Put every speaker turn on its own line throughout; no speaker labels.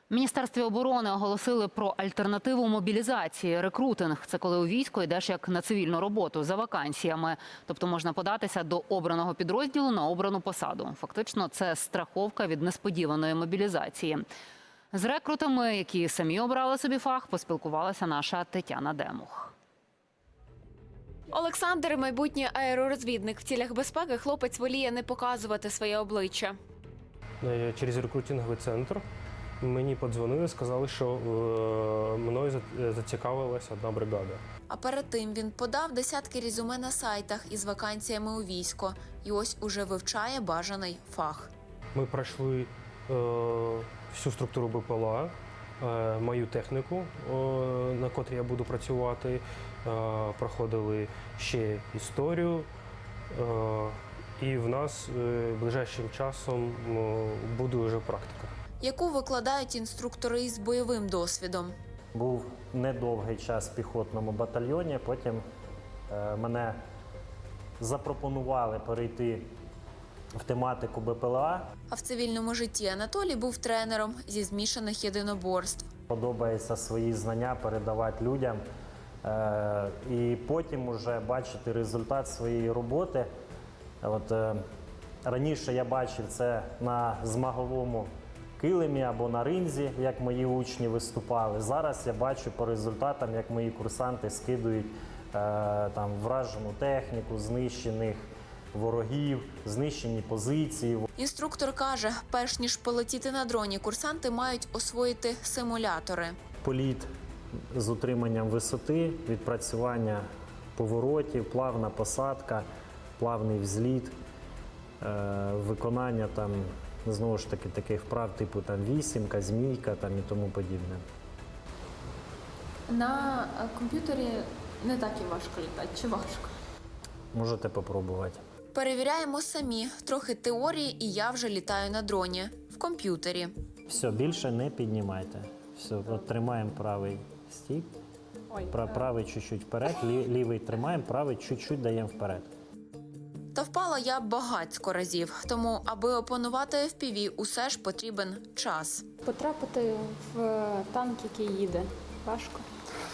В Міністерстві оборони оголосили про альтернативу мобілізації. Рекрутинг – це коли у військо йдеш як на цивільну роботу за вакансіями. Тобто можна податися до обраного підрозділу на обрану посаду. Фактично це страховка від несподіваної мобілізації. З рекрутами, які самі обрали собі фах, поспілкувалася наша Тетяна Демух.
Олександр – майбутній аеророзвідник. В цілях безпеки хлопець воліє не показувати своє обличчя.
Через рекрутинговий центр мені подзвонили, сказали, що мною зацікавилася одна бригада.
А перед тим він подав десятки резюме на сайтах із вакансіями у військо. І ось уже вивчає бажаний фах.
Ми пройшли всю структуру БПЛА, мою техніку, на котрій я буду працювати, проходили ще історію. І в нас ближайшим часом буде вже практика.
Яку викладають інструктори із бойовим досвідом.
Був недовгий час в піхотному батальйоні, потім мене запропонували перейти в тематику БПЛА.
А в цивільному житті Анатолій був тренером зі змішаних єдиноборств.
Подобається свої знання передавати людям і потім уже бачити результат своєї роботи. Раніше я бачив це на змаговому килимі або на ринзі, як мої учні виступали. Зараз я бачу по результатам, як мої курсанти скидують вражену техніку, знищених ворогів, знищені позиції.
Інструктор каже, перш ніж полетіти на дроні, курсанти мають освоїти симулятори.
Політ з утриманням висоти, відпрацювання поворотів, плавна посадка, плавний взліт, виконання знову ж таки таких вправ типу вісімка, змійка і тому подібне.
На комп'ютері не так і важко літати, чи важко?
Можете попробувати.
Перевіряємо самі. Трохи теорії, і я вже літаю на дроні. В комп'ютері.
Все, більше не піднімайте. Все, тримаємо правий стік, правий чуть-чуть вперед, лівий тримаємо, правий чуть-чуть даємо вперед.
Та впала я багацько разів. Тому, аби опанувати FPV, усе ж потрібен час.
Потрапити в танк, який їде, важко?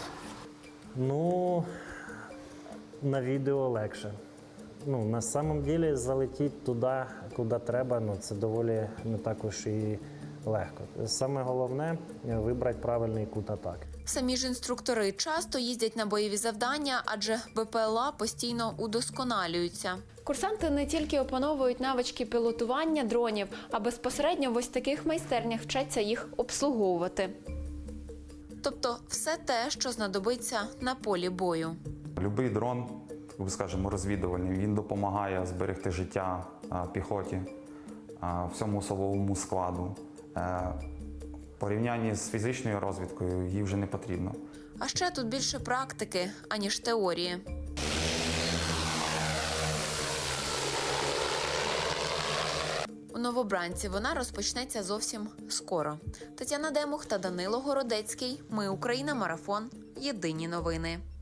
На відео легше. На самом деле залетіти туди, куди треба, це доволі не також і легко. Саме головне – вибрати правильний кут атаки.
Самі ж інструктори часто їздять на бойові завдання, адже БПЛА постійно удосконалюються. Курсанти не тільки опановують навички пілотування дронів, а безпосередньо в ось таких майстернях вчаться їх обслуговувати. Тобто все те, що знадобиться на полі бою.
Любий дрон, скажімо, розвідувальний, він допомагає зберегти життя піхоті, всьому особовому складу. В порівнянні з фізичною розвідкою їй вже не потрібно.
А ще тут більше практики, аніж теорії. У Новобранці вона розпочнеться зовсім скоро. Тетяна Демух та Данило Городецький. Ми Україна. Марафон. Єдині новини.